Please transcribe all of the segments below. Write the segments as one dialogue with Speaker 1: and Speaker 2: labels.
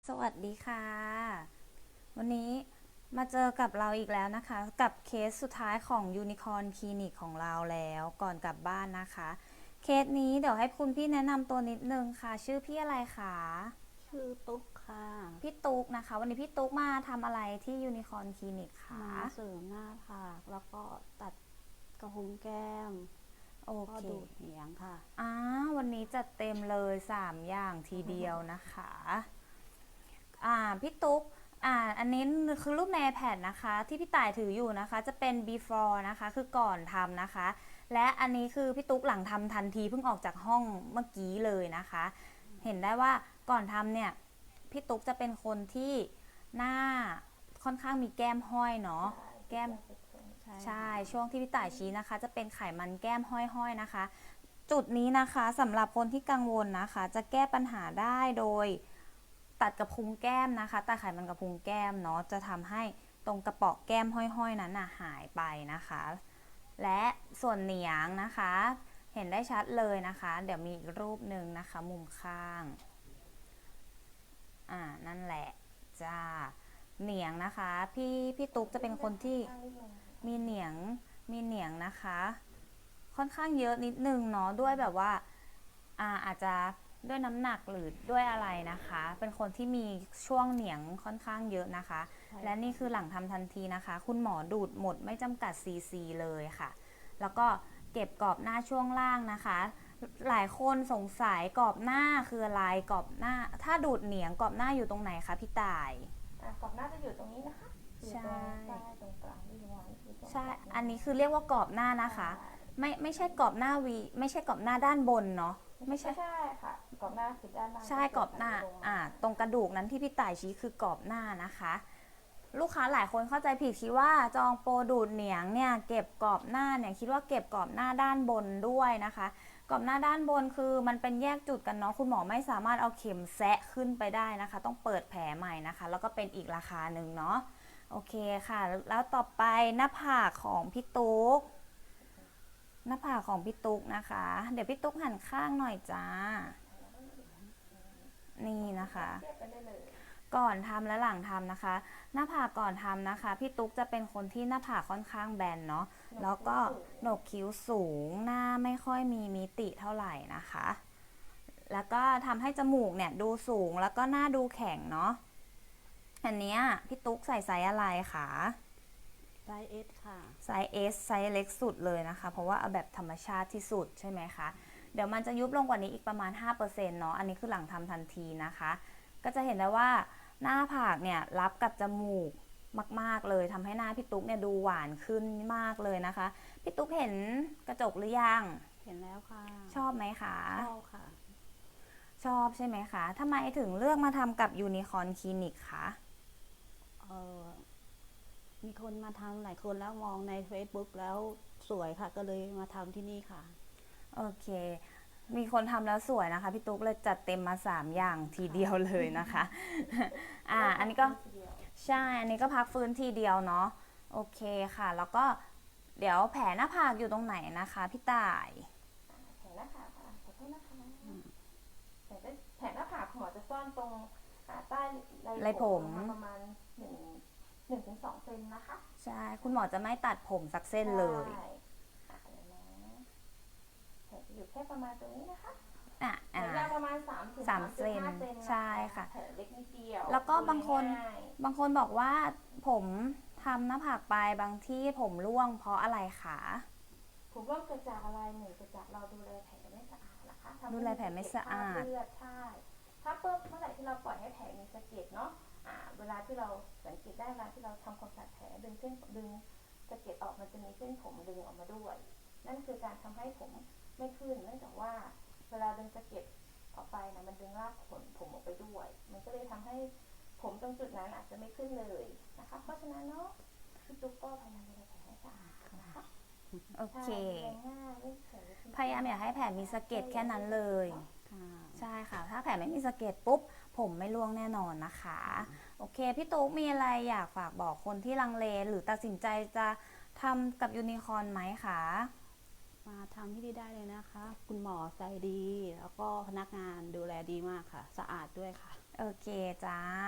Speaker 1: สวัสดีค่ะวันนี้มาเจอกับเราอีกแล้วนะคะกับเคสสุดท้ายของยูนิคอร์นคลินิกของเราแล้วก่อนกลับบ้านนะคะเคสนี้เดี๋ยวให้คุณพี่แนะนำตัวนิดนึงค่ะชื่อพี่อะไรคะ
Speaker 2: ชื่อตุ๊กค่ะ
Speaker 1: พี่ตุ๊กนะคะวันนี้พี่ตุ๊กมาทำอะไรที่ยูนิคอร์นคลินิกคะ
Speaker 2: มาเสริมหน้าผากแล้วก็ตัดกระพุ้งแก้ม
Speaker 1: โอ
Speaker 2: ก็
Speaker 1: เค
Speaker 2: ดูดเหนียงค่ะ
Speaker 1: อ่าวันนี้จัดเต็มเลย3อย่างทีเดียวนะคะพี่ตุ๊กอันนี้คือรูปใน iPad นะคะที่พี่ต่ายถืออยู่นะคะจะเป็น before นะคะคือก่อนทำนะคะและอันนี้คือพี่ตุ๊กหลังทำทันทีเพิ่งออกจากห้องเมื่อกี้เลยนะคะเห็นได้ว่าก่อนทำเนี่ยพี่ตุ๊กจะเป็นคนที่หน้าค่อนข้างมีแก้มห้อยเนาะแก้ม
Speaker 2: ใช่
Speaker 1: ใช่
Speaker 2: ค่ะ
Speaker 1: ช่วงที่พี่ต่ายชี้นะคะจะเป็นไขมันแก้มห้อยๆนะคะจุดนี้นะคะสำหรับคนที่กังวลนะคะจะแก้ปัญหาได้โดย ตัดกระพุ้งแก้มนะคะตัดไขมันกระพุ้งแก้มเนาะจะทำให้ตรงกระเปาะแก้มห้อยๆนั้นหายไปนะคะและส่วนเหนียงนะคะเห็นได้ชัดเลยนะคะเดี๋ยวมีอีกรูปหนึ่งนะคะมุมข้างนั่นแหละจ้าเหนียงนะคะพี่ตุ๊กจะเป็นคนที่มีเหนียงมีเหนียงนะคะค่อนข้างเยอะนิดนึงเนาะด้วยแบบว่าอาจจะด้วยน้ำหนักหรือด้วยอะไรนะคะเป็นคนที่มีช่วงเหนียงค่อนข้างเยอะนะคะ
Speaker 2: ใช่
Speaker 1: และนี่คือหลังทำทันทีนะคะคุณหมอดูดหมดไม่จำกัดซีซีเลยค่ะแล้วก็เก็บกรอบหน้าช่วงล่างนะคะหลายคนสงสัยกรอบหน้าคืออะไรกรอบหน้าถ้าดูดเหนียงกรอบหน้าอยู่ตรงไหนคะพี่ต่าย
Speaker 3: กรอบหน้าจะอยู่ตรงนี้นะคะอยู่
Speaker 1: ใช่
Speaker 3: ตรงใต้ตรงกลางที่วางคือตรง
Speaker 1: ใช่
Speaker 3: กรอบหน้า
Speaker 1: อันนี้คือเรียกว่ากรอบหน้า
Speaker 3: ใช่
Speaker 1: นะคะไม่ใช่กรอบหน้าวีไม่ใช่กรอบหน้าด้านบนเนาะไม่ใช่
Speaker 3: ไม่ใช่ค่ะกรอบหน้าคือด้านล่าง
Speaker 1: ใช่
Speaker 3: ที่ตรง
Speaker 1: กรอบหน้า
Speaker 3: ลงมา
Speaker 1: ตรงกระดูกนั้นที่พี่ต่ายชี้คือกรอบหน้านะคะลูกค้าหลายคนเข้าใจผิดคิดว่าจองโปรดูดเหนียงเนี่ยเก็บกรอบหน้าเนี่ยคิดว่าเก็บกรอบหน้าด้านบนด้วยนะคะกรอบหน้าด้านบนคือมันเป็นแยกจุดกันเนาะคุณหมอไม่สามารถเอาเข็มแซะขึ้นไปได้นะคะต้องเปิดแผลใหม่นะคะแล้วก็เป็นอีกราคาหนึ่งเนาะโอเคค่ะแล้วต่อไปหน้าผากของพี่ตุ๊กหน้าผากของพี่ตุ๊กนะคะเดี๋ยวพี่ตุ๊กหันข้างหน่อยจ้านี่นะคะ
Speaker 3: เทียบกันได้เลย
Speaker 1: ก่อนทำและหลังทำนะคะหน้าผากก่อนทำนะคะพี่ตุ๊กจะเป็นคนที่หน้าผากค่อนข้างแบนเนาะแล้วก็โหนกคิ้วสูงหน้าไม่ค่อยมีมิติเท่าไหร่นะคะแล้วก็ทำให้จมูกเนี่ยดูสูงแล้วก็หน้าดูแข็งเนาะอันนี้พี่ตุ๊กใส่ไซส์อะไรคะ
Speaker 2: ไซส์เอสค่ะ
Speaker 1: ไซส์ S ไซส์เล็กสุดเลยนะคะเพราะว่าเอาแบบธรรมชาติที่สุดใช่ไหมคะเดี๋ยวมันจะยุบลงกว่านี้อีกประมาณ 5% เนาะอันนี้คือหลังทำทันทีนะคะก็จะเห็นได้ว่าหน้าผากเนี่ยรับกับจมูกมากๆเลยทำให้หน้าพี่ตุ๊กเนี่ยดูหวานขึ้นมากเลยนะคะพี่ตุ๊กเห็นกระจกหรือยัง
Speaker 2: เห็นแล้วค่ะ
Speaker 1: ชอบไหมคะ
Speaker 2: ชอบค่ะ
Speaker 1: ชอบใช่ไหมคะทำไมถึงเลือกมาทำกับยูนิคอร์นคลินิกคะ
Speaker 2: เออมีคนมาทำหลายคนแล้วมองใน Facebook แล้วสวยค่ะก็เลยมาทำที่นี่ค่ะ
Speaker 1: โอเคมีคนทำแล้วสวยนะคะพี่ตุ๊กเลยจัดเต็มมา3อย่างที
Speaker 2: ค่ะ
Speaker 1: เดียวเลยนะคะอันนี้ก็
Speaker 3: ทีเดียว
Speaker 1: ใช่อันนี้ก็พักฟื้นทีเดียวเนาะโอเคค่ะแล้วก็เดี๋ยวแผลหน้าผากอยู่ตรงไหนนะคะพี่ต่าย
Speaker 3: แผงหน้าผากค่ะขอโทษนะคะแผงหน้าผากหมอจะซ่อนตรงใต้
Speaker 1: ไรผ
Speaker 3: ไรผม
Speaker 1: ม
Speaker 3: ประมาณ1 ถึง 2 เซนนะคะ
Speaker 1: ใช่คุณหมอจะไม่ตัดผมสักเส้น
Speaker 3: ใช่
Speaker 1: เลย
Speaker 3: เดี๋ยวนะแผลจะอยู่แค่ประมาณตรงนี้นะคะ
Speaker 1: อ่ะ
Speaker 3: แผลยาวประมาณ3 ถึง
Speaker 1: สามเซน
Speaker 3: 3.5 เซนนะ
Speaker 1: ใช่
Speaker 3: คะ
Speaker 1: ค่ะ
Speaker 3: แผลเล็กนิดเดียว
Speaker 1: แล้วก็
Speaker 3: ดูง่าย
Speaker 1: บางคนบอกว่าผมทำหน้าผากไปบางที่ผมร่วงเพราะอะไรคะ
Speaker 3: ผมว่าเกิดจากอะไรหนึ่งเกิดจากเราดูแลแผลไม่สะอาดนะคะทำ
Speaker 1: ดู
Speaker 3: ให้
Speaker 1: แลแผลไม่
Speaker 3: มีสะเก็ดคราบ
Speaker 1: สะอาด
Speaker 3: เลือดใช่ถ้าเมื่อไหร่ที่เราปล่อยให้แผลมีสะเก็ดเนาะเวลาที่เราสังเกตได้เวลาที่เราทำความสะอาดแผลดึงสะเก็ดออกมันจะมีเส้นผมดึงออกมาด้วยนั่นคือการทำให้ผมไม่ขึ้นเนื่องจากว่าเวลาดึงสะเก็ดออกไปนะมันดึงรากขนผมออกไปด้วยมันก็เลยทำให้ผมตรงจุดนั้นอาจจะไม่ขึ้นเลยนะคะเพราะฉะนั้นเนาะพี่ตุ๊กก็พยายามดูแลแผลให้สะอาดนะคะ
Speaker 1: โอ
Speaker 3: ใช่
Speaker 1: เค
Speaker 3: แรงง่ายไม่แข็ง
Speaker 1: พยายามอยากให้แผลมีสะเก็ดแค่นั้นเลย
Speaker 2: ค่ะ
Speaker 1: ใช่ค่ะถ้าแผลไม่มีสะเก็ดปุ๊บผมไม่ร่วงแน่นอนนะคะโอเคพี่ตุ๊กมีอะไรอยากฝากบอกคนที่ลังเลหรือตัดสินใจจะทำกับยูนิคอร์นไหมคะ
Speaker 2: มาทำที่นี่ได้เลยนะคะคุณหมอใจดีแล้วก็พนักงานดูแลดีมากค่ะสะอาดด้วยค่ะ
Speaker 1: โอเคจ้า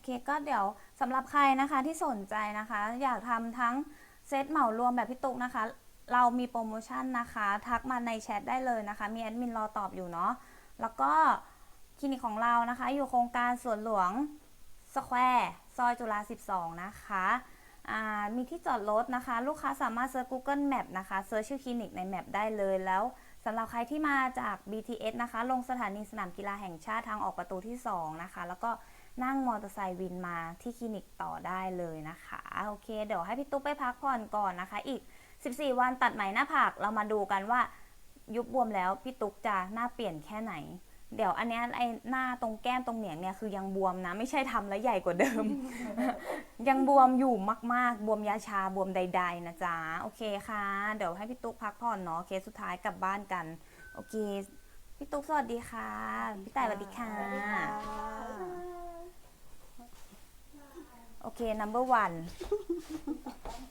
Speaker 1: เคก็เดี๋ยวสำหรับใครนะคะที่สนใจนะคะ อยากทำทั้งเซตเหมารวมแบบพี่ตุ๊กนะคะ เรามีโปรโมชั่นนะคะ ทักมาในแชทได้เลยนะคะ มีแอดมินรอตอบอยู่เนาะแล้วก็คลินิกของเรานะคะ อยู่โครงการสวนหลวงสแควร์ซอยจุฬา12นะคะมีที่จอดรถนะคะ ลูกค้าสามารถเซิร์ช Google Map นะคะเซิร์ชชื่อคลินิกในแมปได้เลยแล้วสำหรับใครที่มาจาก BTS นะคะลงสถานีสนามกีฬาแห่งชาติทางออกประตูที่2นะคะแล้วก็นั่งมอเตอร์ไซค์วินมาที่คลินิกต่อได้เลยนะคะโอเคเดี๋ยวให้พี่ตุ๊กไปพักผ่อนก่อนนะคะอีก14 วันตัดไหมหน้าผากเรามาดูกันว่ายุบบวมแล้วพี่ตุ๊กจะหน้าเปลี่ยนแค่ไหนเดี๋ยวอันเนี้ยไอ้หน้าตรงแก้มตรงเหนียงเนี่ยคือยังบวมนะไม่ใช่ทำแล้วใหญ่กว่าเดิม ยังบวมอยู่มากๆบวมยาชาบวมใดๆนะจ๊ะโอเคค่ะเดี๋ยวให้พี่ตุ๊กพักผ่อนเนาะเคสสุดท้ายกลับบ้านกันโอเคพี่ตุ๊กสวัสดีค่ะพี่ต่ายสวัสดีค่ะ
Speaker 2: สวัสดีค่ะ
Speaker 1: โอเค number one